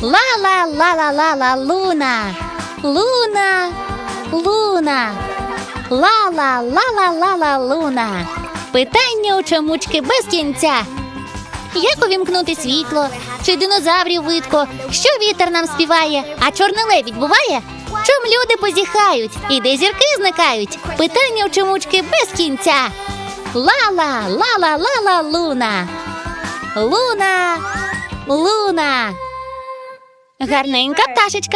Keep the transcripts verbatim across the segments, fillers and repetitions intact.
Ла-ла-ла-ла-ла-ла, Луна. Луна, Луна. Ла-ла-ла-ла-ла-ла, Луна. Питання у чомучки без кінця. Як увімкнути світло? Чи динозаврів видко? Що вітер нам співає? А чорний лебідь буває? Чом люди позіхають? І де зірки зникають? Питання у чомучки без кінця. Ла-ла, ла-ла-ла-ла, Луна. Луна, Луна. Гарненька пташечка.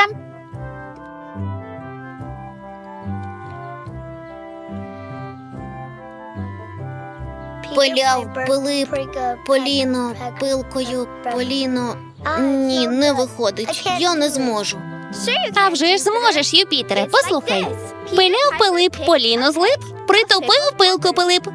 Пиляв, Пилип, Поліно, пилкою, Поліно. Ні, не виходить. Я не зможу. А вже ж зможеш, Юпітере, послухай. Пиляв Пилип, Поліно злип, притупив пилку Пилип.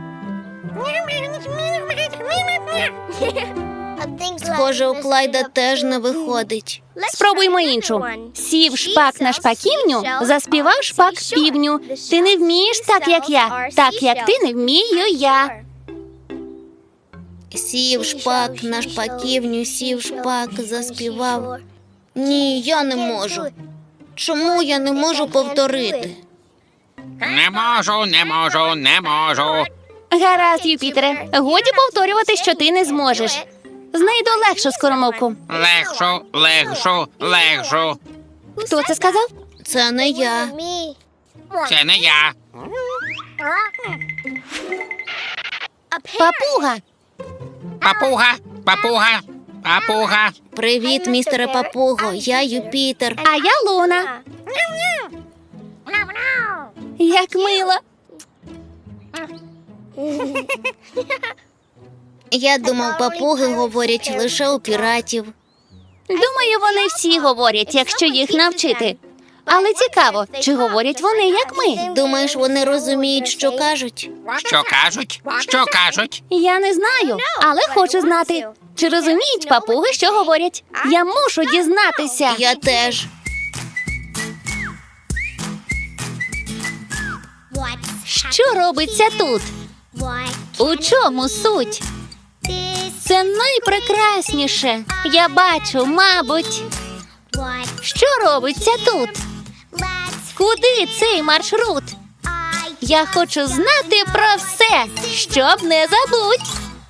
Схоже, у Клайда теж не виходить. Спробуймо іншу. Сів шпак на шпаківню, заспівав шпак півню. Ти не вмієш так, як я, так, як ти не вмію я. Сів шпак на шпаківню, сів шпак, заспівав. Ні, я не можу. Чому я не можу повторити? Не можу, не можу, не можу. Гаразд, Юпітере, годі повторювати, що ти не зможеш. Знайду легшу скоромовку. Легшу, легшу, легшу. Хто це сказав? Це не я. Це не я. Папуга. Папуга, папуга, папуга. Привіт, містере Папуго, я Юпітер. А я Луна. Як мило. Я думав, папуги говорять лише у піратів. Думаю, вони всі говорять, якщо їх навчити. Але цікаво, чи говорять вони, як ми? Думаєш, вони розуміють, що кажуть? Що кажуть? Що кажуть? Я не знаю, але хочу знати. Чи розуміють папуги, що говорять? Я мушу дізнатися. Я теж. Що робиться тут? У чому суть? Це найпрекрасніше. Я бачу, мабуть. Що робиться тут? Куди цей маршрут? Я хочу знати про все, щоб не забудь.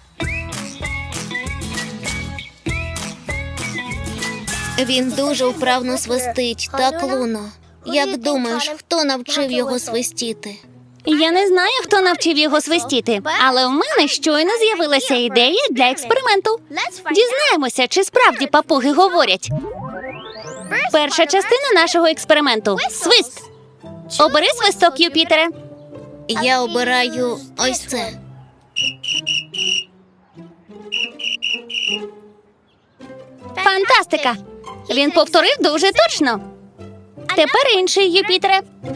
Він дуже вправно свистить, так, Луно? Як думаєш, хто навчив його свистіти? Я не знаю, хто навчив його свистіти, але в мене щойно з'явилася ідея для експерименту. Дізнаємося, чи справді папуги говорять. Перша частина нашого експерименту – свист. Обери свисток, Юпітере. Я обираю ось це. Фантастика! Він повторив дуже точно. Тепер інший, Юпітере.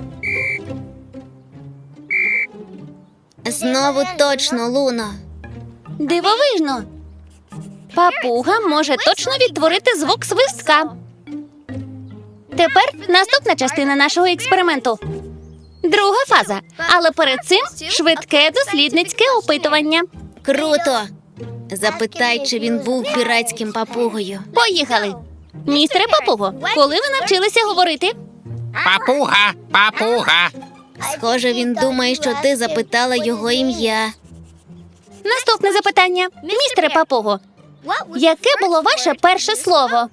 Знову точно, Луно. Дивовижно. Папуга може точно відтворити звук свистка. Тепер наступна частина нашого експерименту. Друга фаза. Але перед цим швидке дослідницьке опитування. Круто! Запитай, чи він був піратським папугою. Поїхали. Містере Папуго, коли ви навчилися говорити? Папуга, папуга. Схоже, він думає, що ти запитала його ім'я. Наступне запитання. Містере Папуго, яке було ваше перше слово?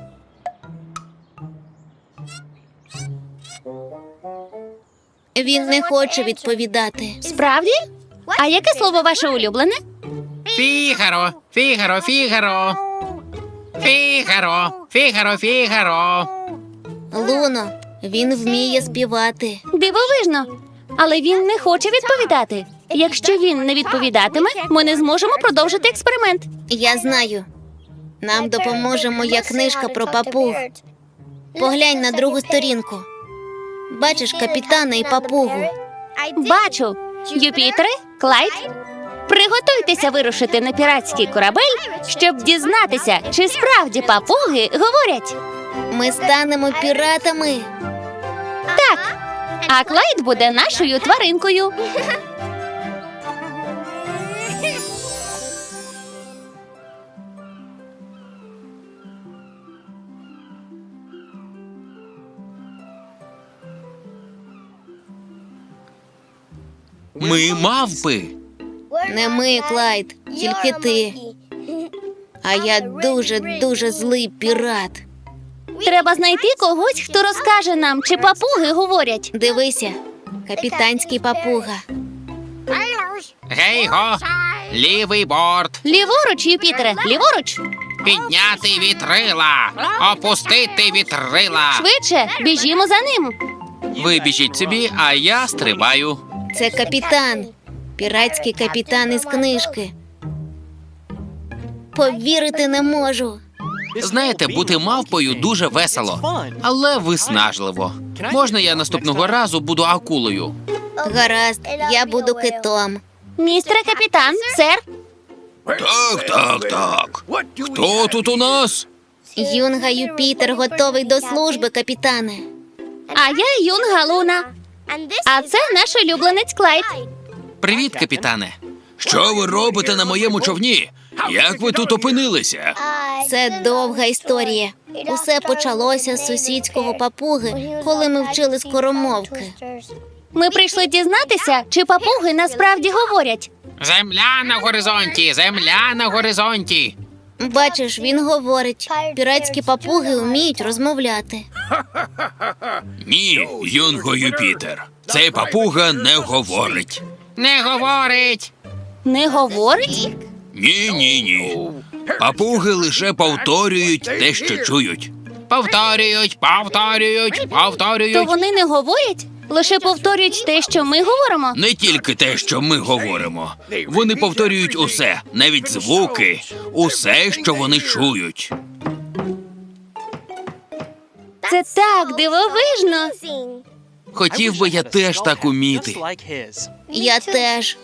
Він не хоче відповідати. Справді? А яке слово ваше улюблене? Фігаро, фігаро, фігаро. Фігаро, фігаро, фігаро. Луно, він вміє співати. Дивовижно. Але він не хоче відповідати. Якщо він не відповідатиме, ми не зможемо продовжити експеримент. Я знаю. Нам допоможе моя книжка про папуг. Поглянь на другу сторінку. Бачиш капітана і папугу. Бачу. Юпітере, Клайд, приготуйтеся вирушити на піратський корабель, щоб дізнатися, чи справді папуги говорять. Ми станемо піратами. Так. А Клайд буде нашою тваринкою. Ми мавпи. Не ми, Клайд, тільки ти. А я дуже-дуже злий пірат. Треба знайти когось, хто розкаже нам, чи папуги говорять. Дивися, капітанський папуга. Гей-го! Лівий борт. Ліворуч, Юпітере, ліворуч. Підняти вітрила. Опустити вітрила. Швидше, біжімо за ним. Ви біжіть собі, а я стрибаю. Це капітан. Піратський капітан із книжки. Повірити не можу. Знаєте, бути мавпою дуже весело, але виснажливо. Можна я наступного разу буду акулою? Гаразд, я буду китом. Містере капітан, сер. Так, так, так. Хто тут у нас? Юнга Юпітер готовий до служби, капітане. А я Юнга Луна. А це наш улюбленець Клайд. Привіт, капітане. Що ви робите на моєму човні? Як ви тут опинилися? Це довга історія. Усе почалося з сусідського папуги, коли ми вчили скоромовки. Ми прийшли дізнатися, чи папуги насправді говорять. Земля на горизонті, земля на горизонті. Бачиш, він говорить. Піратські папуги вміють розмовляти. Ні, Юнго Юпітер. Цей папуга не говорить. Не говорить. Не говорить? Ні, ні, ні. Папуги лише повторюють те, що чують. Повторюють, повторюють, То повторюють. вони не говорять? Лише повторюють те, що ми говоримо? Не тільки те, що ми говоримо. Вони повторюють усе, навіть звуки, усе, що вони чують. Це так дивовижно. Хотів би я теж так уміти. Я теж.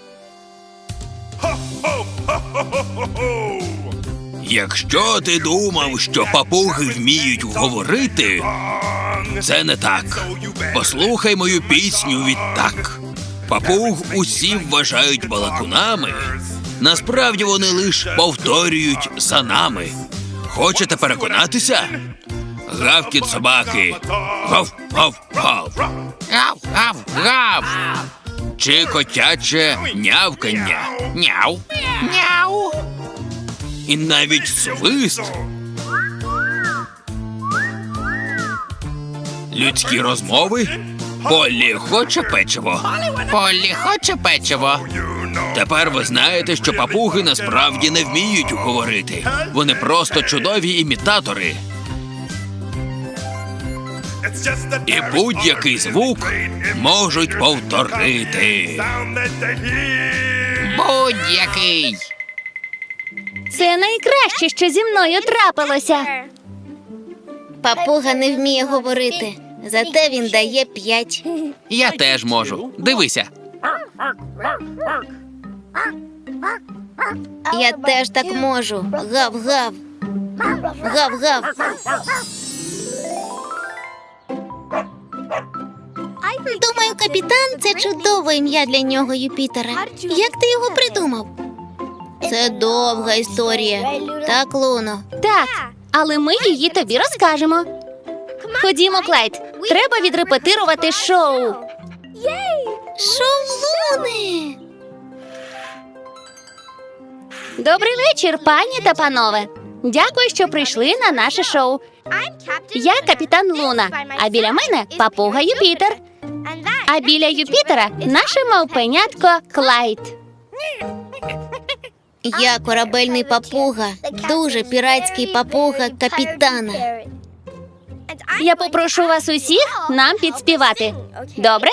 Якщо ти думав, що папуги вміють говорити, це не так. Послухай мою пісню відтак. Папуг усі вважають балакунами. Насправді вони лиш повторюють за нами. Хочете переконатися? Гавкіт собаки. Гав, гав, гав. Гав, гав, гав. Чи котяче нявкання. Няу. Няу. І навіть свист. Людські розмови. Полі хоче печиво. Полі хоче печиво. Тепер ви знаєте, що папуги насправді не вміють говорити. Вони просто чудові імітатори. І будь-який звук можуть повторити. Будь-який. Це найкраще, що зі мною трапилося. Папуга не вміє говорити, зате він дає п'ять. Я теж можу. Дивися. Я теж так можу. Гав-гав. Гав-гав. Думаю, капітан – це чудове ім'я для нього, Юпітера. Як ти його придумав? Це довга історія. Так, Луно? Так, але ми її тобі розкажемо. Ходімо, Клайд. Треба відрепетирувати шоу. Шоу Луни! Добрий вечір, пані та панове. Дякую, що прийшли на наше шоу. Я капітан Луна, а біля мене папуга Юпітер. А біля Юпітера наше мавпенятко Клайд. Я корабельний папуга, дуже піратський папуга капітана. Я попрошу вас усіх нам підспівати. Добре?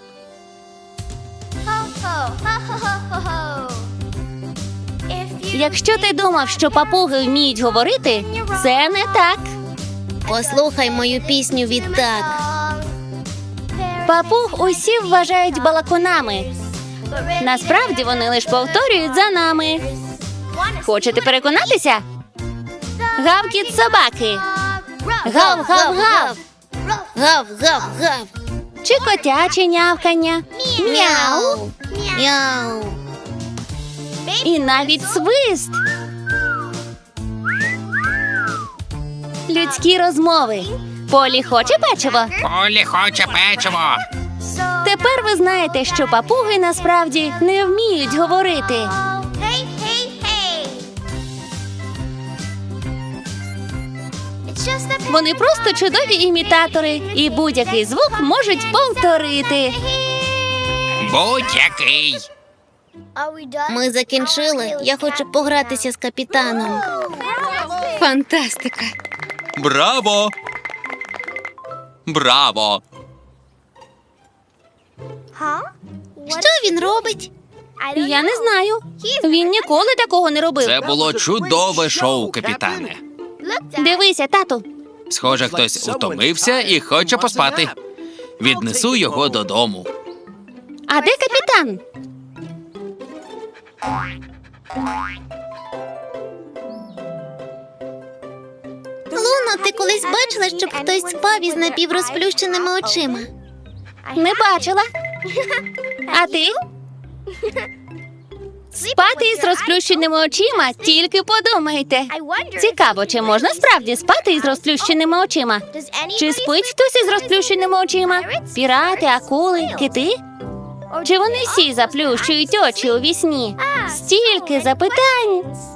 Якщо ти думав, що папуги вміють говорити, це не так. Послухай мою пісню відтак. Папуг усі вважають балакунами. Насправді вони лише повторюють за нами. Хочете переконатися? Гавкіт собаки. Гав-гав-гав. Гав-гав-гав. Чи котяче нявкання. Мяу. Мяу. І навіть свист. Людські розмови. Полі хоче печиво? Полі хоче печиво. Тепер ви знаєте, що папуги насправді не вміють говорити. Вони просто чудові імітатори і будь-який звук можуть повторити. Будь-який. Ми закінчили. Я хочу погратися з капітаном. Фантастика. Браво! Браво! Що він робить? Я не знаю. Він ніколи такого не робив. Це було чудове шоу, капітане. Дивися, тату. Схоже, хтось утомився і хоче поспати. Віднесу його додому. А де капітан? Луно, ти колись бачила, щоб хтось спав із напіврозплющеними очима? Не бачила. А ти? Спати із розплющеними очима, тільки подумайте. Цікаво, чи можна справді спати із розплющеними очима? Чи спить хтось із розплющеними очима? Пірати, акули, кити? Чи вони всі заплющують очі у вісні? Стільки запитань.